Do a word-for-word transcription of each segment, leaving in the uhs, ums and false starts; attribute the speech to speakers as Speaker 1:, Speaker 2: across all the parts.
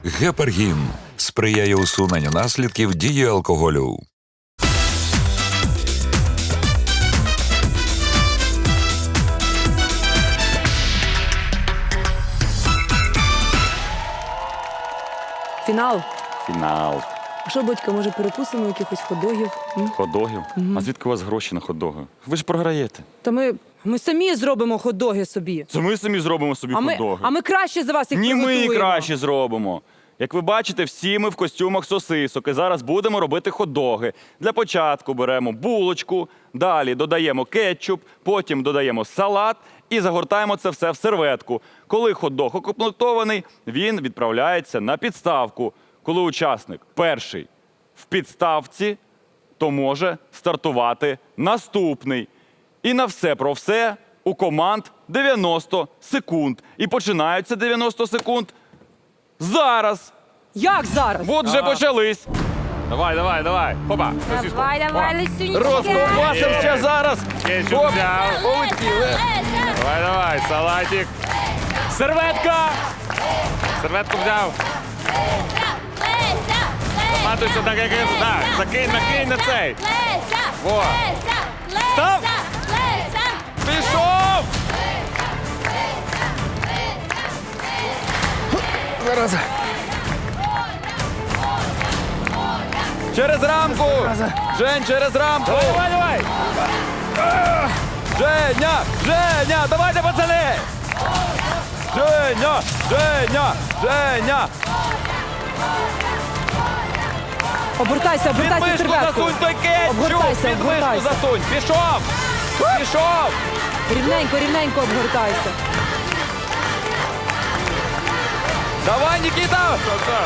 Speaker 1: Гепаргін сприяє усуненню наслідків дії алкоголю.
Speaker 2: Фінал.
Speaker 3: Фінал.
Speaker 2: А що, батька, може перекусимо якихось хот-догів? М?
Speaker 3: Хот-догів? А звідки у вас гроші на хот-доги? Ви ж програєте.
Speaker 2: Та ми, ми самі зробимо хот-доги собі.
Speaker 3: Це ми самі зробимо собі
Speaker 2: А ми,
Speaker 3: хот-доги.
Speaker 2: а ми краще за вас їх
Speaker 3: Ні, ми
Speaker 2: приготуємо.
Speaker 3: краще зробимо. Як ви бачите, всі ми в костюмах сосисок і зараз будемо робити хот-доги. Для початку беремо булочку, далі додаємо кетчуп, потім додаємо салат і загортаємо це все в серветку. Коли хот-дог укомплектований, він відправляється на підставку. Коли учасник перший в підставці, то може стартувати наступний. І на все про все у команд дев'яносто секунд. І починаються дев'яносто секунд зараз.
Speaker 2: Як зараз?
Speaker 3: От вже почались.
Speaker 4: Давай, давай, давай. Хопа.
Speaker 5: Давай, давай, Лисюнечка.
Speaker 3: Розковбасимося зараз.
Speaker 4: Кетчуп
Speaker 3: Хоп,
Speaker 4: взяв.
Speaker 3: полетіли.
Speaker 4: Давай, давай, салатик. Серветка. Серветку взяв. Матуйся так, як я. Так, закинь, накинь на цей. Во. Став.
Speaker 3: Пішов. Зараз. Через рамку. Жень, через рамку.
Speaker 4: Давай, давай.
Speaker 3: Женя, Женя, давайте, пацани. Женя, Женя, Женя.
Speaker 2: Обгортайся,
Speaker 3: Під
Speaker 2: обгортайся
Speaker 3: мишку
Speaker 2: серветку.
Speaker 3: засунь той кетчуп.
Speaker 2: Обгортайся,
Speaker 3: Під мишку
Speaker 2: обгортайся.
Speaker 3: засунь. Пішов. Пішов.
Speaker 2: Рівненько, рівненько обгортайся.
Speaker 3: Давай, Нікіта.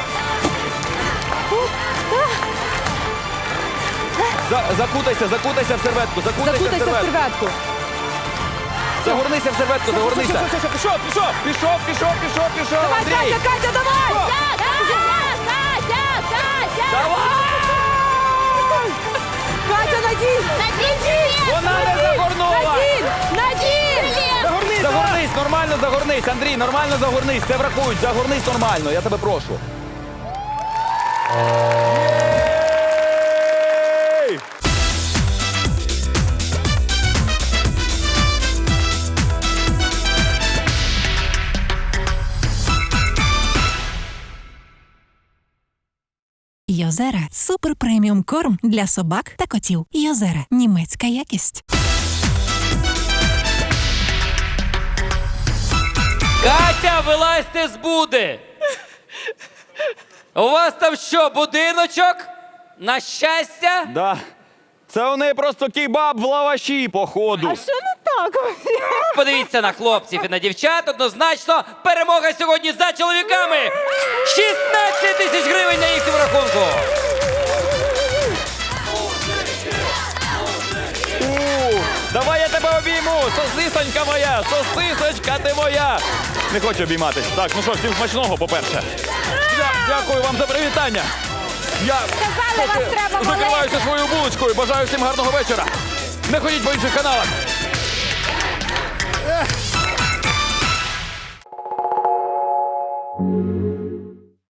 Speaker 3: За, закутайся, закутайся в серветку, закутайся,
Speaker 2: Закутайся
Speaker 3: в
Speaker 2: в
Speaker 3: серветку.
Speaker 2: серветку.
Speaker 3: Загорнися в серветку, загорнися.
Speaker 2: Все, все, все,
Speaker 3: Пішов, пішов, пішов, пішов, пішов, пішов,
Speaker 2: Давай,
Speaker 3: Андрій.
Speaker 2: Катя, Катя, давай! Катя, надій!
Speaker 3: Вона не загорнула.
Speaker 2: Надій! Надій!
Speaker 3: Загорнись, загорнись, нормально загорнись, Андрій, нормально загорнись, це врахують, загорнись нормально, я тебе прошу. Єй!
Speaker 6: Йозера – супер преміум корм для собак та котів. Йозера – німецька якість.
Speaker 7: Катя, вилазьте з буди! У вас там що, будиночок? На щастя?
Speaker 3: Да. Це у неї просто кебаб в лаваші, походу.
Speaker 2: Що не так?
Speaker 7: Подивіться на хлопців і на дівчат. Однозначно, перемога сьогодні за чоловіками! шістнадцять тисяч гривень на їхньому рахунку!
Speaker 3: У, давай я тебе обійму, сосисонька моя, сосисочка ти моя. Не хочу обійматись. Так, ну що, всім смачного, по-перше. Дя- Дякую вам за привітання. Я
Speaker 5: Казали,
Speaker 3: поки
Speaker 5: вас треба
Speaker 3: закриваюся своєю булочкою. Бажаю всім гарного вечора. Не ходіть по інших каналах. Ех.